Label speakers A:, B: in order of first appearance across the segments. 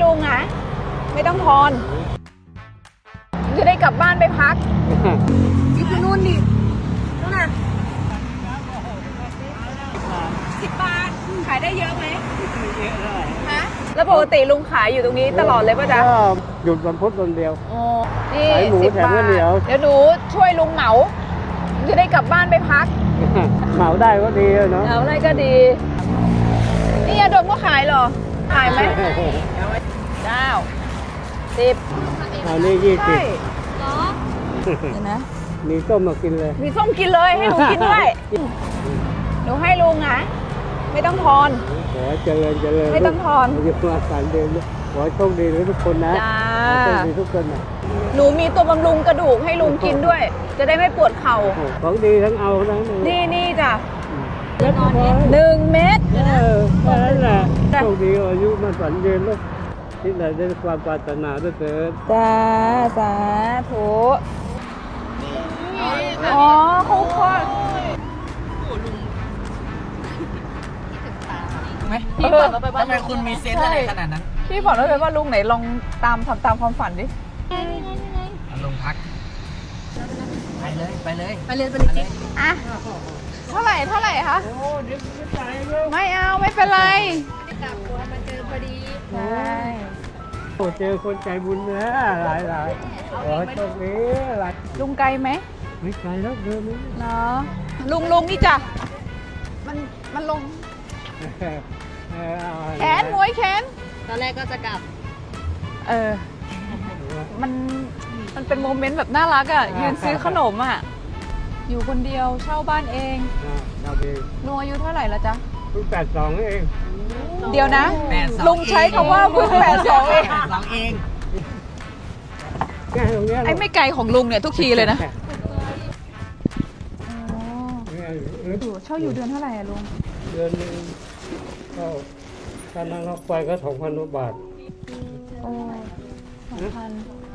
A: ลุงนะไม่ต้องทอนจะได้กลับบ้านไปพักนี่คือนู่นดินู่นน่ะ10 บาทขายได้เยอะไหม
B: เยอะเลย
A: ฮะแล้วปกติลุงขายอยู่ตรงนี้ตลอดเลยป่ะจ๊ะ
B: ก็หยุดวันพุธวันเดียว
A: อ๋อนี่
B: ขายหมู
A: 10
B: แถม
A: บา
B: ข้าว
A: ท
B: เหนียว
A: เดี๋ยวหนูช่วยลุงเหมาจะได้กลับบ้านไปพัก
B: เหมาได้ก็ดีเนาะ
A: เอาอะไรก็ดีนี่ยาดมก็ขายเหรอขายไหม9 10
B: เอานี่20
A: ใช่เหรอเดี๋ยวนะ
B: มีส้มมากินเลย
A: มีส้มกินเลยให้หนูกินด้วยหนูให้ลุงนะไม่ต้องทอน
B: ขอเจริญเจริญ
A: ไม่ต้องทอน
B: อย่ามาสารเดินขอโชคดีทุกคนนะ
A: จ้า
B: ขอโชคดีทุกคนนะ
A: หนูมีตัวบำรุงกระดูกให้ลุงกินด้วย จะได้ไม่ปวดเข่า
B: ของดีทั้งเอาทั้ง
A: นี่จ้ะ
B: เล็กน้อย
A: 1 เม็ด
B: แค่นั้นแหละโชคดีอายุมันฝันยืนแล้วที่ไหนได้ความปรารถนาด้วยเถิด
A: จ้าสาธุอ๋อเขาคลอดพี่ฝันเราไปว่า
C: ทำไมคุณมีเซนส์อะไรขนาดนั้น
A: พี่ฝันเราไปว่าลุงไหนลองทำตามความฝันดิ
C: ลงพัก ไปเลย
A: ไปเลยจิ๊บอ่ะเท่าไหร่คะ
B: โอ้เดี๋ยวไม่ตายแล้ว
A: ไม่เอาไม่เป็นไรใช่
B: โอ้เจอคนใจบุญนะหลายขอโชคดีหลาย
A: ลุงไกลไหม
B: ไม่ไกลแล้วเดินนี้
A: เนาะลุงนี่จ้ะมันลงแขนมวยแขน
D: ตอนแรกก็จะกลับ
A: มันเป็นโมเมนต์แบบน่ารักอ่ะยืนซื้อขนมอ่ะอยู่คนเดียวเช่าบ้านเอง
B: เราเอง
A: ลุงอายุเท่าไหร่แล้วจ๊ะ
B: เพิ่ง82เอง
A: เดี๋ยวนะ
C: 82
A: ลุงใช้คำว่าเพิ่ง82เอง
C: 82 เอง
B: แค่ตรงเนี้ย
A: ไอ้ไม่ไกลของลุงเนี่ยทุกทีเลยนะอยู่เช่าอยู่เดือนเท่าไหร่อะลุง
B: เดือนนึงก็การนั่งรถไฟก็2,000 บาท
A: โอ้2,000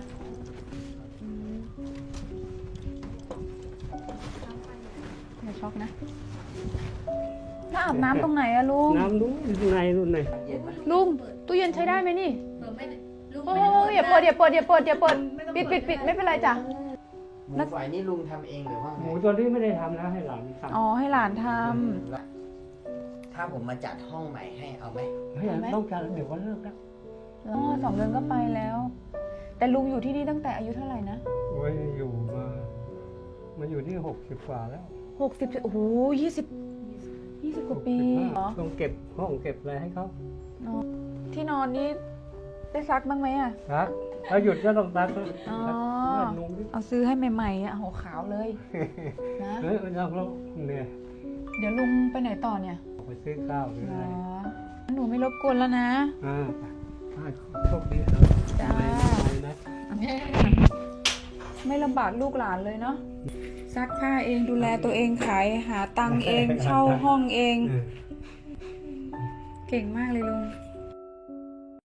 A: อย่าช็อกนะถ้าอาบน้ำตรงไหนอะลุง
B: น้ำนู้นในนู่นใน
A: ลุงตู้เย็นใช้ได้ไหมนี่โอ้ยอย่าเปิดปิดไม่เป็นไรจ้ะ
C: หมูฝอยนี่ลุงทำเองหรือว่า
B: ห
C: ไง
B: มูตัวนี้ไม่ได้ทำนะให้หลานทำ
A: อ๋อให้หลานท
C: ถ้าผมมาจัดห้องใหม่ให้เอาไหม
B: ไม่ต้องการเดี๋ยวก็เลิกแล้ว
A: ำแล้ว2 เดือนก็ไปแล้ว แต่ลุงอยู่ที่นี่ตั้งแต่อายุเท่าไหร่นะ
B: โอ้ยอยู่มาอยู่ที่60 กว่าแล้ว
A: 60โอ้โห20กว่าปีเหรอ
B: ต้องเก็บห้องเก็บอะไรให้เขา
A: ที่นอนนี้ได้ซักบ้างไหมอะ
B: ซักถ้าหยุดก็ต้องซัก
A: อ๋อ
B: ซักนุ่งดิ
A: เอาซื้อให้ใหม่ๆอะโหขาวเลยนะ
B: เฮ้ยเราเนี่ย
A: เดี๋ยวลุงไปไหนต่อเนี่ย
B: ออกไปซื้อข้าวหรือ
A: เหร
B: อะไร
A: อหนูไม่รบกวนแล้วนะ
B: โชคดีครับ
A: จ้า
B: นะ
A: ไม่ลำบากลูกหลานเลยเนาะซักผ้าเองดูแลตัวเองขายหาตังค์เอง เช่าห้องเอง เก่งมากเลยลุง